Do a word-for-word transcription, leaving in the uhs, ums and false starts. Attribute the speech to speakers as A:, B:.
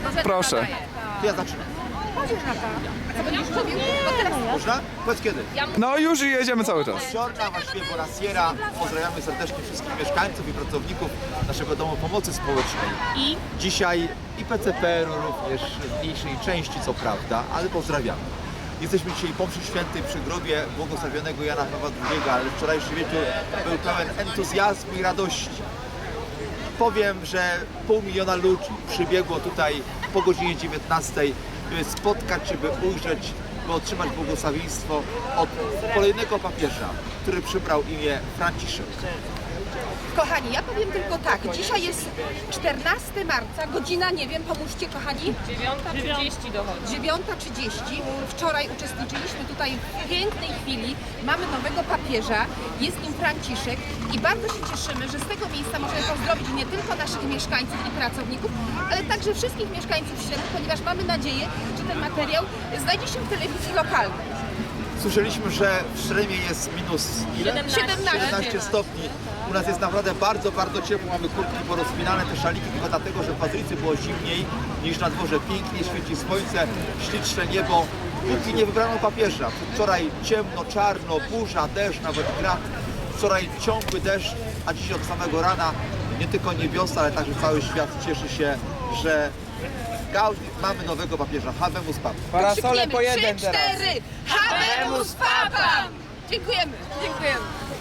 A: Proszę.
B: To ja zaczynam. Można? Powiedz kiedy.
A: No już jedziemy cały czas.
B: Giorna, właściwie Bonasiera. Pozdrawiamy serdecznie wszystkich mieszkańców i pracowników naszego Domu Pomocy Społecznej.
C: I
B: Dzisiaj i P C P R-u również w mniejszej części, co prawda, ale pozdrawiamy. Jesteśmy dzisiaj po mszy świętej przy grobie błogosławionego Jana Pawła drugiego, ale wczorajszy wieczór był pełen entuzjazmu i radości. Powiem, że pół miliona ludzi przybiegło tutaj po godzinie dziewiętnastej, by spotkać się, by ujrzeć, by otrzymać błogosławieństwo od kolejnego papieża, który przybrał imię Franciszek.
C: kochani, ja powiem tylko tak, dzisiaj jest czternastego marca, godzina, nie wiem, pomóżcie kochani,
D: dziewiąta trzydzieści dochodzi.
C: dziewiąta trzydzieści. Wczoraj uczestniczyliśmy tutaj w pięknej chwili, mamy nowego papieża, jest nim Franciszek i bardzo się cieszymy, że z tego miejsca możemy pozdrowić nie tylko naszych mieszkańców i pracowników, ale także wszystkich mieszkańców Śremu, ponieważ mamy nadzieję, że ten materiał znajdzie się w telewizji lokalnej.
B: Słyszeliśmy, że w Śremie jest minus ile? siedemnaście stopni. U nas jest naprawdę bardzo, bardzo ciepło. Mamy kurtki porozpinane, te szaliki tylko dlatego, że w Bazylice było zimniej niż na dworze. Pięknie świeci słońce, śliczne niebo. Póki nie wybrano papieża. Wczoraj ciemno, czarno, burza, deszcz, nawet grad. Wczoraj ciągły deszcz, a dziś od samego rana nie tylko niebiosa, ale także cały świat cieszy się, że Gaudi, mamy nowego papieża. Habemus Papam.
A: Parasole po
C: Trzy,
A: jeden teraz.
C: cztery! Habemus Papam! Dziękujemy, dziękujemy.